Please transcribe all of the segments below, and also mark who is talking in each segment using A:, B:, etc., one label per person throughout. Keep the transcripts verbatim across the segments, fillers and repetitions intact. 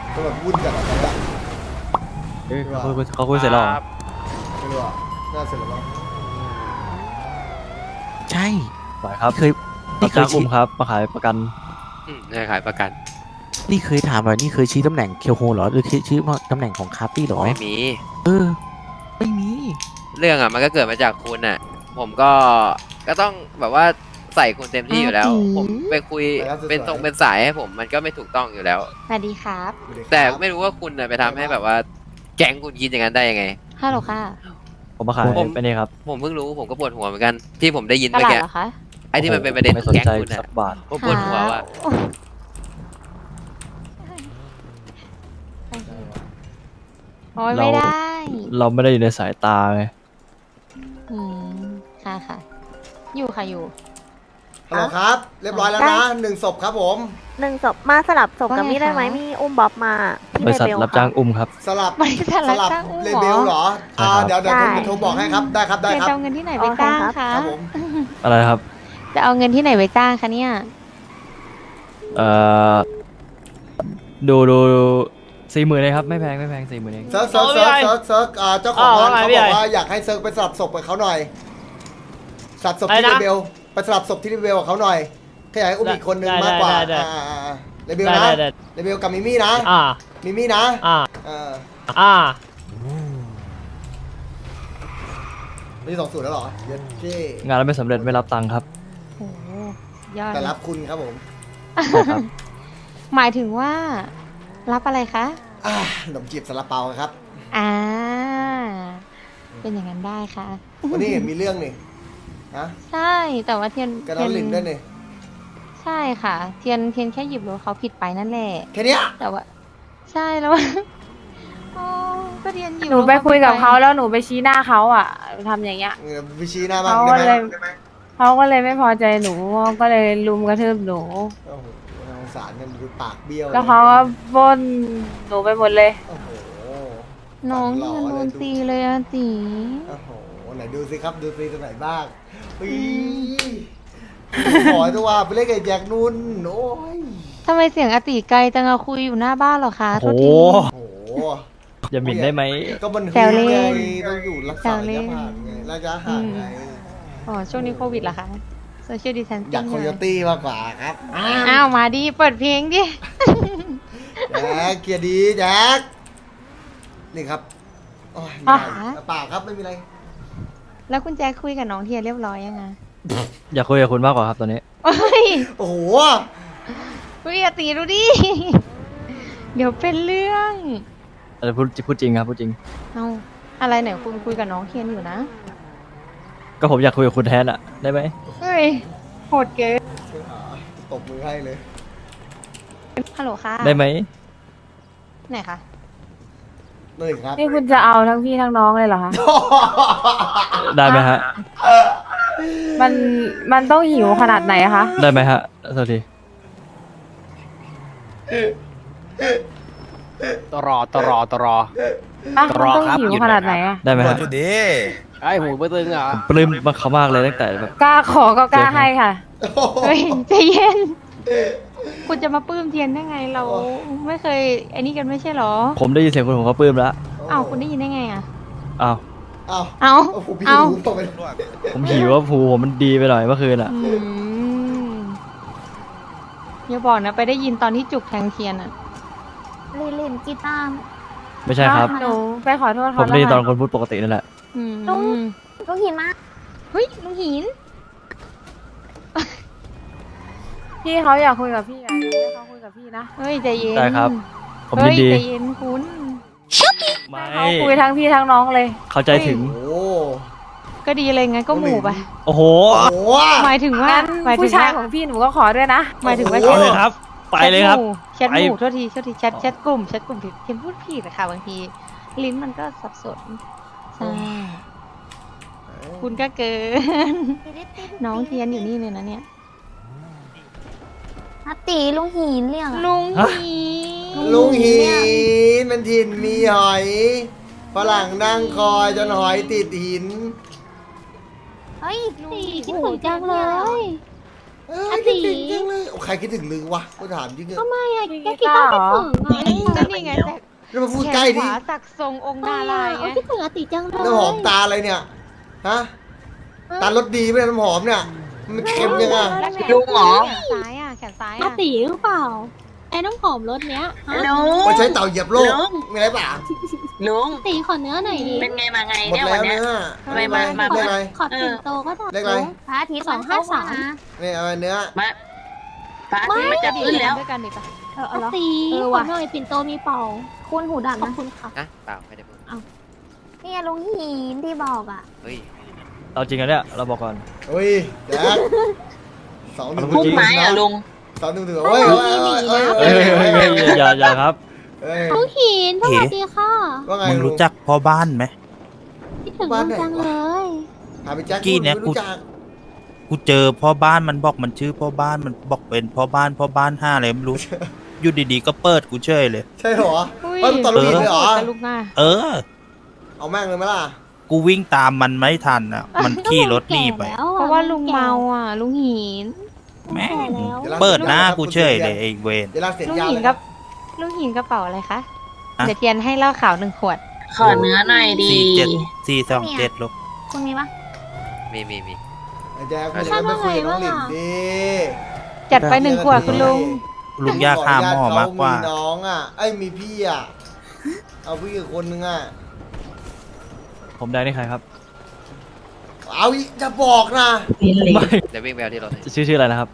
A: ก็แบบวุ่นกันอะไรละ
B: เอ้ยเขาคุยเขาคุยเสร็จแล้วเหรอ
A: ไม่รู้อ่ะน่าเสร็จแล้วมั้ง
C: ใช่
B: ไหวครับ
C: เคย
B: นี่
C: นี่
B: เค
C: เค
B: ย
C: ย
B: อุ้
C: ชี้
B: มครับมาขายประกัน
D: อืมให้ขายประกัน
C: นี่เคยถามหน่อยนี่เคยชี้ตำแหน่งเคียวโฮเหรอหรือชี้ว่าตำแหน่งของคาร์ตี้เหรอ
D: ไม่มี
C: เออไม่มี
D: เรื่องอ่ะมันก็เกิดมาจากคุณอ่ะ ผมก็ก็ต้องแบบว่าใส่คุณเต็มที่อยู่แล้ว ผมไปคุยเป็นตรงเป็นสายให้ผมมันก็ไม่ถูกต้องอยู่แล้ว
E: สวัสดีครับ
D: แต่ไม่รู้ว่าคุณน่ะไปทำให้แบบว่า แก๊งคุณคิดอย่างนั้นได้ยังไง
E: ฮัลโหลค่ะ
B: ผมมาขาย
D: ผม
B: ไปนี่ครับ
D: ผมเพิ่งรู้ผมก็ปวดหัวเหมือนกัน ที่ผมได้ยิน
E: ต
D: เมื่อ
E: ลาด
D: กี้
E: เหรอคะ
D: ไอ้ที่มันเป็นประเด็น
B: ไม่สน
D: แก๊ง
B: ใจ
D: คุณอ่ะ
B: สักบาท
D: ผมปวดหัวว่ะ
E: โอ้ยไม่ได้
B: เราไม่ได้อยู่ในสายตาไง
E: อืม ค่ะค่ะ อยู่ค่ะอยู่
A: ฮัลโหลครับ เรียบร้อยแล้วนะหนึ่งศพครับผม
F: หนึ่งศพมาสลับศพกับ
E: ว่าไง
F: มี่ได้ไหม
E: คะ
F: มี่อุ้มบ๊อบมาที่
B: บริษัท
F: เลเวล
B: รับจ้างอุ้มครับ
A: สลับ
E: บริษัท
A: ส
E: รับ
A: ลับ
E: จ้างอุ้ม
A: เล
E: เหร
A: เบล
E: อ
A: เหรออ่าเดี๋ยวเดี๋ยว
F: ใช่
A: โทรบอกให้ครับได้ครับได้
E: เดี๋ยว
A: ครับ
E: จะเอาเงินที่ไหนไปจ้างคะ
A: ครับผม
B: อะไรครับ
E: จะเอาเงินที่ไหนไปจ้างคะเนี่ย
B: เอ่อดูดูสี่หมื่นเลยครับไม่แพงไม่แพงสี่หมื่นเอง
A: เซิร์ฟเซิร์ฟเซิร์ฟเซิร์ฟเซิร์ฟอ่าเจ้าของร้านเขาบอกว่าอยากให้เซิร์ฟไปสลับศพกับเขาหน่อยสลับศพที่เลเบลไปสลับศพที่เลเบลกับเขาหน่อยขยายอุ้มอีกคนนึงมากกว่าอ่าอ่าอ่าเลเบลนะเลเบลกับมิมี่นะ
G: อ่า
A: มิมี่นะ
G: อ่า
A: เออ
G: อ่า
A: มีสองสูตรแล้วเหรอเย็ดเจ้
B: งานเราไม่สำเร็จไม่รับตังค์ครับ
E: โอ้โหยอด
A: แต่รับคุณครับผม
B: ใช่ครับ
E: หมายถึงว่า รับอะไรคะ
A: อ่าขนมจีบซาลาเปาครับ
E: อ่า เป็นอย่างนั้นได้ค่ะ
A: วันนี้เห็นมีเรื่องนี่ฮะ
E: ใช่ แต่ว่าเทียน
A: กระดอนลินด้วยนี่
E: ใช่ค่ะ เทียนเทียนแค่หยิบรถเขาผิดไปนั่นแหละ
A: แค่เนี้ย
E: แต่ว่า ใช่แล้ว อ๋อก็เทียนหยิบ
F: หนู
E: รถ
F: ไปคุยกับ
E: ผิด
F: เขาแล้วหนูไปชี้หน้าเขาอ่ะทำอย่างเงี้ย
A: เออวิชีหน้าบ้าง
F: เขา
A: ได้
F: ก็
A: ไหม
F: เลยเขาก็เลยไม่พอใจหนูก็เลยลุมกระทืบหนู
A: โอ้โหน่าสงสารเนี่ยมันดูปากเบี้ยว
F: แล้วเขาก็บนหนูไปหมดเลย
A: โอ้โห
E: น้องเทียนโดนตีเลยอะจี
A: โอ้โหไหนดูสิครับดูสิตรงไหนบ้างปีขอตัวไปเล่นกับแจ็คนุ่นโอ้ย
E: ทำไมเสียงอาติไกลจังอะคุยอยู่หน้าบ้านเหรอคะโท
B: โอ้
E: ษ
B: โห
E: ที
A: โอ้โห
B: อย่าหมิ่นได้ไหม
A: ก็มัน
E: แซวเล่น
A: ไงต้องอยู่รักษาระยะห่างไงระยะห่างไง
E: อ๋อ ช่วงนี้โควิดเหรอคะโซเชียลดิสแทน
A: อยากโคโยตี้มากกว่าครับ
E: อ้าว มาดิ เปิดเพลงดิ
A: แจ็คเกียร์ดีแจ็คนี่ครับโอ้ยไม่ได้เปล่าครับไม่มีอะไร
E: แล้วคุณแจ็คคุยกับน้องเทียนเรียบร้อยยังไง
B: อยากคุยกับคุณมากกว่าครับตอนนี้
E: โอ้ย
A: โอ้โห
E: คุยอาติดูดิ เดี๋ยวเป็นเรื่อง
B: แต่พูดพูดจริงครับพูดจริง
E: เอาอะไรไหนคุณคุยกับน้องเทียนอยู่นะ
B: ก็ผมอยากคุยกับคุณแทนอะได้ไหม
E: เฮ้ย โหดเกิน
A: ตบมือให้เลย
E: ฮัลโหลค่ะ
B: ได้ไหม
E: ไหนคะ
A: หนึ่งครับ
F: นี่คุณจะเอาทั้งพี่ทั้งน้องเลยเหรอคะ
B: ได้ไหมฮะ
F: มันมันต้องหิวขนาดไหนอะคะ
B: ได้ไหมฮะสวัสดี
G: ตรอตรอตรอ
F: อ่ะ
G: ร
F: มัน
G: อ
F: ต้อง
G: ครับ
F: หิว
G: หยุด
F: ขนาด
G: ห
F: ไห
G: น่
F: น
G: อยครับ
F: อะ
B: ได้ไหมฮะ
G: ไอ้หูไม่ตึงเหรอ
B: ผมปลื้มมากเขามากเลยตั้งแต่แบบ
F: กล้าขอก็กล้าให้ค่ะ
E: เฮ้ยใจเย็น คุณจะมาปลื้มเทียนได้ไงเรา ไม่เคยไอ้นี่กันไม่ใช่เหรอ
B: ผมได้ยินเสียงคุณผมก็ปลื้มแล้ว
E: อ้าวคุณได้ยินได้ไงอะ
B: อ้าว
A: เอา
E: เอา
A: โอ้โหพี่
E: เอา
A: หูตกไป
B: ผมหิวว่าผูผมมันดีไปหน่อยเมื่อคืนอะ
E: อืมอย่าบอกนะไปได้ยินตอนที่จุกแทงเทียนอะ
F: ลินลินกีตาร์
B: ไม่ใช่ครับ
F: หนูไปขอโทษ
B: ผ
F: เขา
B: ม
F: แล้ว
B: ได้ยินตอน
F: ค่ะ
B: คนพูดปกตินั่นแหละ
E: อืม
F: ลุง ลุงหินมาก
E: เฮ้ยลุงหิน
F: พี่เขาอยากคุยกับพี่อะอยากให้เขาคุยกับพี่นะ
E: เฮ้ยใจเย็น
B: ได้ครับ ผม
E: เฮ้
B: ยิ
E: ย
B: นดี
E: ใจเย็นคุณ
B: ไม่
F: เขาคุยทั้งพี่ทั้งน้องเลย
B: เข้าใจถึง
A: โอ้โห
E: ก็ดีเลยงั้นก็หมู่ไป
B: โอ้โห
A: โอ้โห
E: หมายถึงว่า
F: งั้น
E: หมายถึ
F: ผู้
E: ง
F: ชาย
E: ว่า
F: ของพี่หนูก็ขอด้วยนะ
E: หมายถึงว่า
A: โอ้
B: ไป
A: โห
B: เลยครับ ไปเลยครับ
E: แชทหมู่
B: ไป
E: โทษทีโทษทีแชทแชทแชทกลุ่มแชทกลุ่มผิดเทียนพูดผิดอะค่ะบางที ลิ้นมันก็สับสนใช่คุณก็เกิน น้องเทียนอยู่นี่เลยนะเนี่ย
F: อาตีลุงหินเรียก
E: ลุง
B: ฮะ
E: หิน
A: ลุงหินมันถิ่นมีหอยฝรั่งนั่งคอยจนหอยติดหิน
F: เฮ้ย
E: ลุงหินคิดถึงจังเลย
A: เอ้ยคิดถึงจังเลยโอ้ใครคิดถึงลึงวะกูถามจริงอะ
E: ทำไมอะแกคิดต้องคิดถึงอ่ะก็นี่ไงแต่
A: แล้วมาพูดใกล้
E: ข
A: ดิ
E: วาสักทรงองค์ดารายไงคิดถึงอติจังเลย
A: น้ำหอมตาอะไรเนี่ยฮะตารสดีไหมน้ำหอมเนี่ยมันเค็มยังไง
E: ลุงหรอแขนซ้ายอ่ะแขนซ้าย
H: อา
E: อ่ะ
H: ตีหรือเปล่า ไอ้น้ำหอมรสเนี้ยฮะ
A: มันใช้เต่าเหยียบโลกมีอะไรป่ะ
H: ลุงตีขอเนื้อหน่อยดิ
I: เป็นไงมาไง
A: หมด
I: เนี่ย
A: แล้ว
I: วันเนี้ย
A: เนื้อ
I: ทำไมมามา
A: เรียกอะไร
H: ขอติ่งโตก็ได้
A: เรียกอะไร
H: พระอาทิตย์สองห้าสาม
A: นี่เอาเนื้อ
I: มาพระอาทิตย์มันจะขึ้นแล้ว
E: ด้วยกันดิปะ
H: เอออาตี
E: เออ
H: ขอ
E: ว่ะ
H: หน่อยปิ่นโตมีเป่า คุณหูดับ
E: ขอบ
H: นะ
E: คุณค่ะ
D: นะเปล่าไม่ได้พูด
H: นี่ลุงหินที่บอกอ่ะ
D: เฮ้ย
B: เอาจริงกันเนี่ยเราบอกก่อน
A: เฮ้ยแจ๊คสองหนึ่ง
I: พุ่มไม้อะลุง
A: สองหนึ่งถือเฮ้ยเฮ้ยเฮ้ย
B: เฮ้ยเฮ้ยเฮ้ยอย่าอย่าครับ
A: เฮ้ย
H: ลุงหินสวัสดีค่ะ
A: ว่าไง
C: มึงรู้จักพ่อบ้านไหม
H: คิดถึงลุงจังเลย
A: หาไปแจ็ค
C: กี้เนี่ยกู
A: รู้จัก
C: กูเจอพ่อบ้านมันบอกมันชื่อพ่อบ้านมันบอกเป็นพ่อบ้านพ่อบ้านห้าอะไรไม่รู้ อยู่ดีๆก็เปิดกูเฉยเลย
A: ใช่เหรอ
E: อุ้ย
A: เฮ้ยมันตอนลูกหินเลยเหรอ
E: กับลูกหน้า
C: เออ
A: เอาแม่งเลยไหมล่ะ
C: กูวิ่งตามมันไม่ทันอ่ะ มันขี่รถหนีไป
H: แก่แล้วอ
E: เพราะว่าลุงเมาอ่ะ ลุงหิน
C: แม่ง
H: แก่แล้ว
A: ดี๋ยวรา
C: เปิดหน้ากูเฉยเลยไอ้เวน
A: เดี๋ยวเราเสร็จ
E: ลุง
A: ยา
E: หิน
A: เลย
E: กับลุงหินกระเป๋าอะไรคะ
C: ฮะ
E: เดี๋ยวเทียนให้เหล้าขาวหนึ่งขวด
I: ขอเนื้อหน่อยดี
C: สี่เจ็ดสี่สองเจ็ดลูก
H: คุณมีปะ
D: มีมีมี
A: ไอ้แจ๊คคุณจะไปคุยกับน้องหลินดิ
E: จัดไปหนึ่งขวดคุณลุง
C: ลุงยากฆ่าหม้อมากกว่า
A: มีน้องอ่ะไอ้ยมีพี่อ่ะเอาพี่อีกคนนึงอ่ะ
B: ผมแดงนี่ใครครับ
A: เอาอีกจะบอกนะ
B: ไม่
D: เดี๋ยววิ่งไปเอาที่รถให้
B: ชื่อชื่ออะไรนะครับ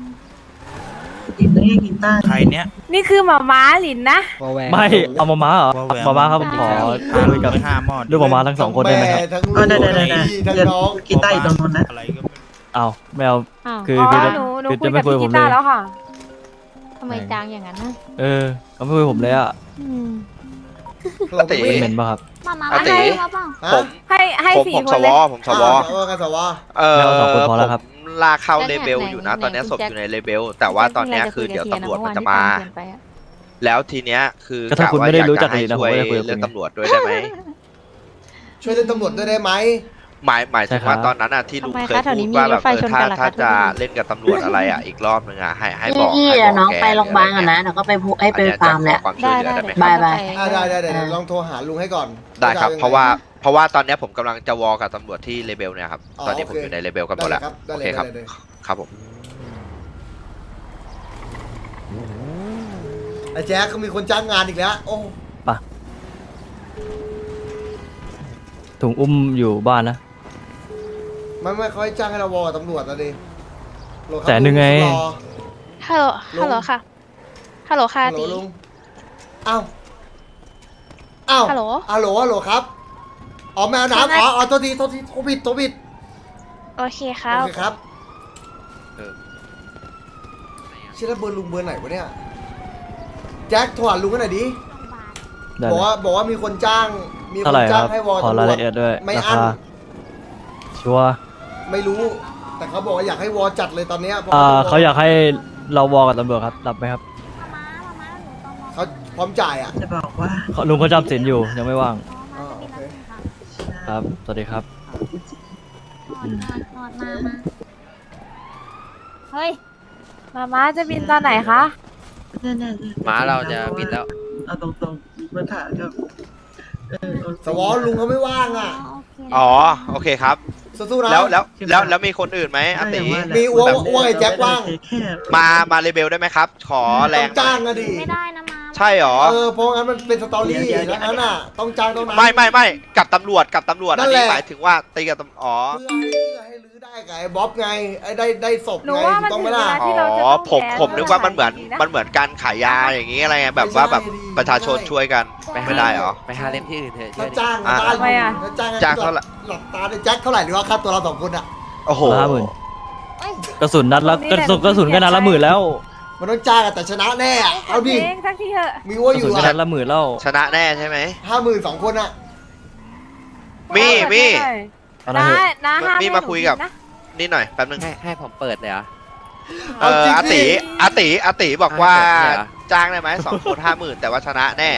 C: ใครเนี้ย
F: นี่คือหมาม้าหลินนะ
B: ไม่เอามาม้าเหรอ
C: ว่าแหวน
B: มาม้าครับผมขอคุยกับ
C: ไปห้าหม้อ
B: ลูกมาม้าทั้งสองคนได้ไหมครับ
A: ทั้งลูกทั้งพี่ทั้งน้อง
C: กีตาร์ตรงนู้นนะอะไรก็ไม่รู้
B: เอาไม่เอา
E: อ้าว
B: คือ
F: อ๋อ
B: คือจะ
F: หนูหนู
B: คือ
F: คุ
B: จะ
F: ย
B: ไม่
F: กับ
B: คุย
F: พี่
B: กับผ
F: กี
B: มเล
F: ตาย ร์แล้วค่ะ
E: ทำไมจางอย่างนั้นนะ
B: เออเขาไม่คุยกับผมเลยอ่ะ
E: อืม
A: เราไม่
B: เหม็นป่ะครับ
H: มามา
J: อาติ
H: ให้มาเปล่า
A: ฮะ
J: ผม
F: ให้ให้
J: ผม
F: สี่
J: ผม
F: ค
J: ส
F: นเล
J: วย ผมสว
A: อ่าเอากันสวะ
J: เออ
B: ไม่เอาสองคนพอแล้วครับ
J: ผมลากเข้าเลเบลอยู่นะ ตอนเนี้ยศพอยู่ในเลเบล แต่ว่าตอนเนี้ยคือเดี๋ยวตำรวจมันจะมา แล้วทีเนี้ยคือ
B: ก็ถ้าคุณไม่ได้รู้จัก
J: ให้
B: เลยนะ
J: ช่วย
B: ผมไม่ได้คุยกับคุณ
J: เรื่องตำรวจด้วยได้ไหม
A: ช่วยเล่นตำรวจด้วยได้ไหม
J: หมายหมายถึงว่า
B: ใช่ครับ
J: ตอนนั้นอ่ะที่ลุง
E: ทำไม
J: เคย
E: คะแถว
J: พู
E: นี้
J: ด
E: มี
J: ว่าแบบ
E: รถไฟ
J: เออ
E: ชน
J: ถ้า
E: กันเหรอคะ
J: ถ้าจะ
E: ทุกคน
J: เล่นกับตำรวจอะไรอ่ะอีกรอบนึงอ่ะให้ให้บอก
I: พี่
J: ให้
I: เดี๋
J: บ
I: ยว
J: อก
I: น้อง
J: แก
I: ไปโรงพยาบาลก่อนนะเดี๋ยวก็ไปพูให้ไปฟาร์มแหละ
J: ขอความช่วย
E: ได้
J: เหลือ
E: ได้
J: ได้ไหม
E: เดี๋ยว
I: บายบาย
A: อ่าได้ได้ได้เดี๋ยวลองโทรหาลุงให้ก่อน
J: ได้ครับ
A: จอยังไง
J: เพราะว่าเพราะว่าตอนเนี้ยผมกำลังจะวอลกับตำรวจที่เลเบลเนี่ยครับ
A: อ๋อ
J: ตอนนี้ผม
A: โอเค
J: อยู่ในเลเบลกันหมดแล้ว
A: ได้
J: โอ
A: เลย
J: เค
A: ค
J: ค
A: รั
J: รั
A: บบ ได้เลย
J: ครับผม
A: ไอ้แจ๊คก็มีคนจ้างงานอีกแล้วโอ้
B: ถุงอุ้มอยู่บ้านนะ
A: ไม่ไม่เขาให้จ้างให้เราวอลกับตำรวจนะดิโหลครับ
B: แสนหนึ่งไง
A: ลุรอ
E: ฮัลโหล
A: ลุง
E: ฮัลโหลค่ะ ฮัลโหลค่ะ
A: ฮัลโหล
E: ตี
A: ลุงอ้าวอ้าว
E: ฮัลโหล
A: ฮัลโหลฮัลโหลครับอ๋อแมวน้ำอ๋ออ๋อโทษทีโทษทีโทรผิดโทรผิด
E: โอเคครั
A: โอบ เคครับ
D: เออ
A: ชื่อแล้วเบอร์ลุงเบอร์ไหนวะเนี่ยแจ็คโทรหาลุงกันหน่อยดิ
B: ได้
A: บอก
B: เลย
A: ว่าบอกว่ามีคนจ้าง มีค
B: เท่าน ไหร่ค
A: จ้าง
B: รับ
A: ให้วอล
B: ขอ
A: ตำร
B: ราย
A: วจ
B: ละเอียดด้วย
A: ไม่
B: รา
A: อั้น
B: คาชัวร์
A: ไม่รู้ แต่เขาบอกว่าอยากให้วอลจัดเลยตอนเนี้ยพระ
B: อ่า
A: ว่
B: เขาอยากให้เราวอลกับตำรวจครับรับไหมครับ
A: เขาพร้อมจ่ายอ่ะ
B: เขาลุงเขาจำสินอยู่ยังไม่ว่าง
A: อ๋อโอเค
B: ครับ สวัสดีครับ
H: นอนนอนมามาเฮ้ย
F: หมาม้าจะบินตอนไหนคะ
D: ม้าเราจะบินแล้ว
K: เอาตรงๆมาถามครับเออโอเค
A: สวอลุงเขาไม่ว่างอ่ะ
J: อ๋อโอเคครับ
A: สู้ๆนะ
J: แล้วแล้วแล้วแล้วมีคนอื่นไหมอาติ
A: มีอ้วงอ้วงไอ้แจ็คว่าง
K: แค่
J: มามาเลเบลได้ไหมครับ ขอแร
A: ต้อง งจ้างอะดิ
H: ไม่ได้นะมา
J: ใช่หรอ
A: เออเพราะงั้นมันเป็นสตอรี่แล้วนั้นอ่ะ ต้องจ้างต้องนั้น
J: ไม่ไม่ไม่กับตำรวจกับตำรวจ
A: นั่
J: อัน
A: นแห
J: นี้
A: ละ
J: หมายถึงว่าตีกับตำอ๋อ
A: เพื่อให้เพื่อให้ลื้อได้กับไอ้บ๊อบไงไอ้ได้ได้ศพ
F: หนู
A: ไง
F: ว่า
A: ถู
F: มัน
A: กต้อง
F: ถึ
A: ไหม
F: งเว
A: ล่ะ
F: ลาที่เราจะ
J: อ๋อ
F: ต้อง
J: ผม
F: แก้
J: ผมนึกว่ามันเหมือน
F: สถาะ
J: มันเหมือนการขายยาอย่างนี้อะไรเงี้ยแบบว่าแบบประชาชนช่วยกันไม่ได้เหรอ
D: ไปหาเล่มที่อื่นเถอะ
A: ถ้า
D: เชื่อดิ
A: จ้าง
J: อ่ะ
A: บ้าน
F: ทำไมอะ
A: ถ้าจ้าง
J: จ้างเท่าไหร่
A: หลับตาได้แจ็คเท่าไหร่หรือว่าค่าตัวเราสองคนอ่ะ
J: โอ้โห
B: ห้าหมื่นกระสุนนัดละกระสุนกระสุนก็นัดละหมื่นแล้ว
A: มันต้องจ้างอะแต่ชนะแน่อะเอาดิ
F: เองทั้งที่เถอะ
A: มีอ้ว
B: ก
A: อ
B: ระ
A: ยู่
B: สุนก็
A: อะ
B: นัดละหมื่นแล้ว
J: ชนะแน่ใช่ไหม
A: ห้าหมื่นสองคนอะ
J: มีมี
B: เอาละ
F: น้า
B: เถอะ
F: น้าห้าม
J: มี
F: ให้
J: มา
F: หนู
J: คุยกับ
F: บินนะ
J: นี่หน่อยแป๊บนึง
D: ให้ให้ผมเปิดเลยเหรอ
J: เอออาติอาติอาติบอกว่า
D: อ่ะเดี๋ยว
J: จ้างได้ไหมสองคนห้าหมื่นแต่ว่าชนะแน่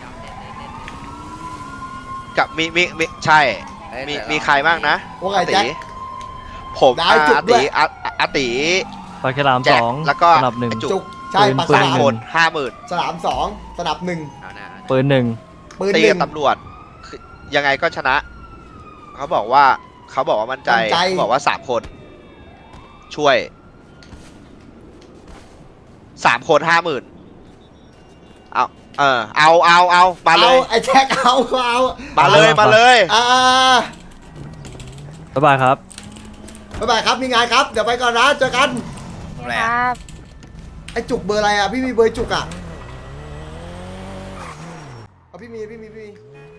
J: กับมีมีมีใช่
D: เอ้ย
J: มี
D: เดี๋ยว
J: มีใครบ้างนะ
A: ว่าไง
J: อาติ
A: แจ็ค
J: ผม
A: ได้
J: อา
A: จุด
J: อา
A: ด้ว
J: ติ
A: ย
J: อาอาติ
B: ปากฉลาม
J: แจ็
B: ส
J: ค
B: อง
J: แล้วก็
B: สนับหนึ่ง
J: ไอ้จุ
A: จุ
J: ก
A: กใช่
B: ปืน
A: ปาก
B: ปื
A: ฉ
B: น
A: ลาม
J: คนห้าหมื่น
A: ฉลามสองสนับหนึ่ง
D: เอาหน้าเอาหน้า
B: ปืนหนึ่ง
A: ปืน
J: ตี
A: หนึ่
J: กับ
A: ง
J: ตำรวจคือยังไงก็ชนะ เขาบอกว่าเขาบอกว่ามั่นใจ
A: มั่นใจ
J: เขาบอกว่าสามคน ช่วยสามคนห้าหมื่นเอาเออเอาเอาเอามาเล
A: เอา
J: ย
A: ไอ้แจ็คเอาเอา
J: มาเลยมาเลย
A: อ่า
B: บ๊ายบายครับ
A: บ๊ายบายครับมีงานครับเดี๋ยวไปก่อนนะเจอกัน
F: ครับ
A: ไอ้จุกเบอร์อะไรอ่ะพี่มีเบอร์จุกอ่ะเอาพี่มีพี่มีพี่มี